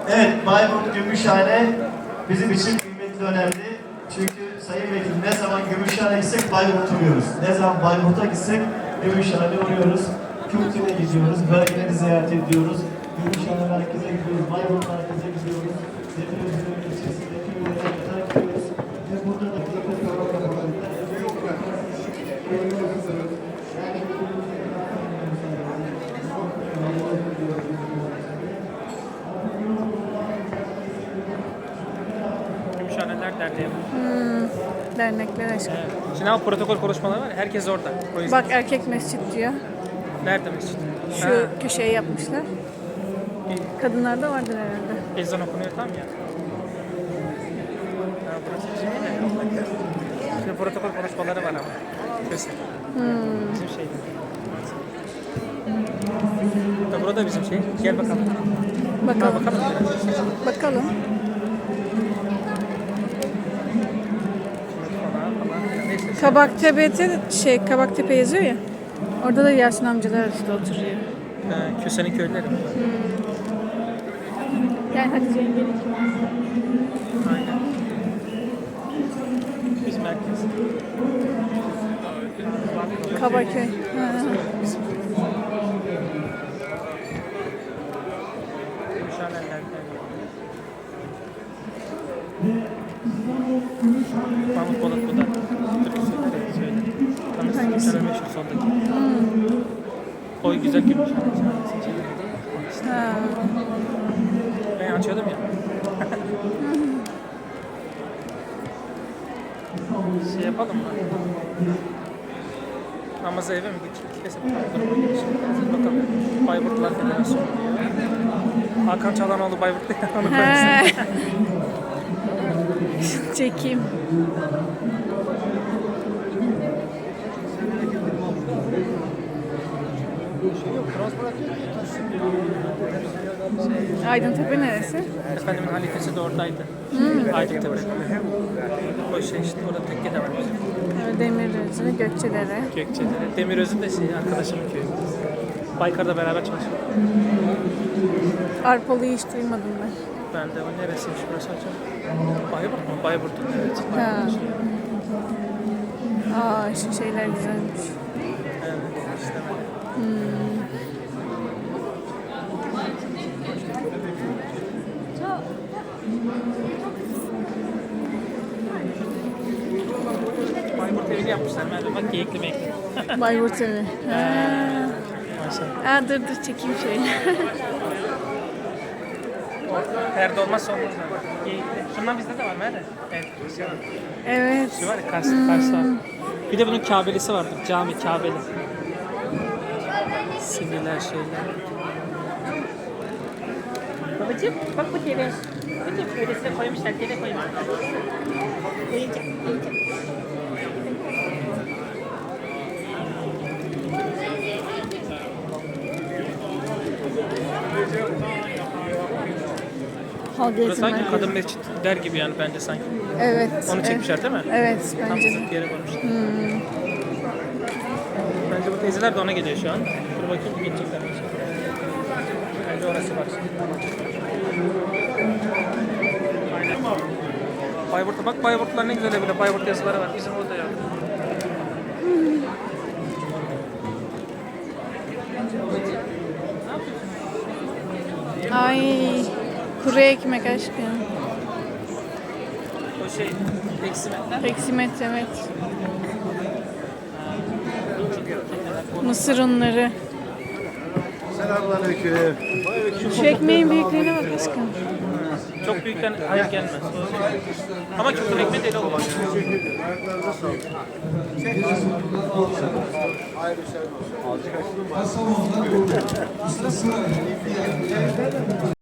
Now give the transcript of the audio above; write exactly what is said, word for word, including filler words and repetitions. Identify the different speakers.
Speaker 1: Evet, Bayburt Gümüşhane bizim için kıymetli, önemli. Çünkü Sayın Vekil, ne zaman Gümüşhane'ye gitsek Bayburt'u uğruyoruz. Ne zaman Bayburt'a gitsek Gümüşhane'ye uğruyoruz. Kültüre gidiyoruz, bölgeleri ziyaret ediyoruz. Gümüşhane merkeze gidiyoruz, Bayburt merkeze gidiyoruz. Demirözü'nün ilçesinde köylere kadar gidiyoruz. Ve burada da
Speaker 2: Gümüşhaneler Derneği.
Speaker 3: Hmm, dernekler aşkım.
Speaker 2: Evet. Şimdi ama protokol konuşmaları var ya, herkes orada. O yüzden.
Speaker 3: Bak erkek mescit diyor.
Speaker 2: Nerede mescid?
Speaker 3: Şu
Speaker 2: Ha,
Speaker 3: köşeye yapmışlar. Kadınlarda vardır herhalde.
Speaker 2: ezan okunuyor tam ya. Ha, burası bizim yine. Şimdi protokol konuşmaları var ama. Köse.
Speaker 3: Hmm.
Speaker 2: Bizim şey. Da burada bizim şey. Gel bakalım. Ha,
Speaker 3: Bakalım.
Speaker 2: bakalım.
Speaker 3: Bakalım.
Speaker 2: Falan falan. Neyse.
Speaker 3: Kabaktepe'de şey Kabaktepe yazıyor ya. Orada da Yasin amcalar işte oturuyor.
Speaker 2: Ha, Köse'nin köyleri.
Speaker 3: Yani Hatice yengenin.
Speaker 2: Aynen. Biz merkez.
Speaker 3: Kabaköy. Ha.
Speaker 2: Gümüşhaneler Derneği. Mahmut Polat bu da. Türk söyler, söyler. Tanırsın Gümüşhane meşhur soldaki. Oy güzel Gümüşhane.
Speaker 3: Ha.
Speaker 2: Ben açıyordum ya. Şey yapalım mı? Namazı eve mi geçecek? Kesin duruma gelişim. Bakalım. Bayburtlar Federasyonu diyor. Hakan Çalanoğlu Bayburt'ta ya. Onu
Speaker 3: He.
Speaker 2: koyarsın.
Speaker 3: Çekeyim. Aydıntepe neresi?
Speaker 2: Efendimin halifesi de oradaydı. Hmm. Aydıntepe. O şey işte orada tekke de var bizim.
Speaker 3: Evet, Demirözü, Gökçedere.
Speaker 2: Gökçe'de. Demiröz'ün de şey arkadaşımın köyü. Baykar'da beraber çalışıyor.
Speaker 3: Arpalı'yı hiç duymadım ben.
Speaker 2: Ben de o neresiymiş burası hocam? Bayburt mu? Bayburt'un evet.
Speaker 3: Ha. Aa, şu şeyler güzelmiş.
Speaker 2: Evet işte böyle. Bayburt evini yapmışlar. Merve bak geyikli meyikli.
Speaker 3: Bayburt evi. Ha.
Speaker 2: Maşallah.
Speaker 3: Aa, dur dur çekeyim şöyle.
Speaker 2: Perde olmazsa olmaz. Yani. Geyikli. Şundan bizde de var Merve. Evet. Şey var.
Speaker 3: Evet.
Speaker 2: Şu var ya Kars, Kars var. Bir de bunun Kabelisi vardır. Cami Kabeli. Sinirler şeyler. Babacığım bak bu deve. Babacığım öylesine koymuşlar. Deve koymuşlar. Oyuncak. Oyuncak.
Speaker 3: Halk
Speaker 2: Burası
Speaker 3: eğitim
Speaker 2: sanki
Speaker 3: merkezi.
Speaker 2: kadın mescit der gibi yani bence sanki.
Speaker 3: Evet.
Speaker 2: Onu
Speaker 3: evet.
Speaker 2: çekmişler değil mi?
Speaker 3: Evet
Speaker 2: Tam
Speaker 3: bence de.
Speaker 2: zıt bir yere koymuşlar. Bence bu teyzeler de ona geliyor şu an. Dur bakayım geçecekler mi? Bence orası var. Aynen. Bayburt'a bak, Bayburtlar ne güzel bile. Bayburt yazıları var. Bizim orada yok.
Speaker 3: Ay, kuru ekmek aşkım.
Speaker 2: O şey, eksimetler.
Speaker 3: Eksimet evet. Mısır unları.
Speaker 1: Selamünaleyküm.
Speaker 3: Şu ekmeğin büyüklüğüne bak aşkım.
Speaker 2: Çok büyükten hayır gelmez. Ama küfür ekmeği değil olur.
Speaker 1: Ayaklarınıza sağlık.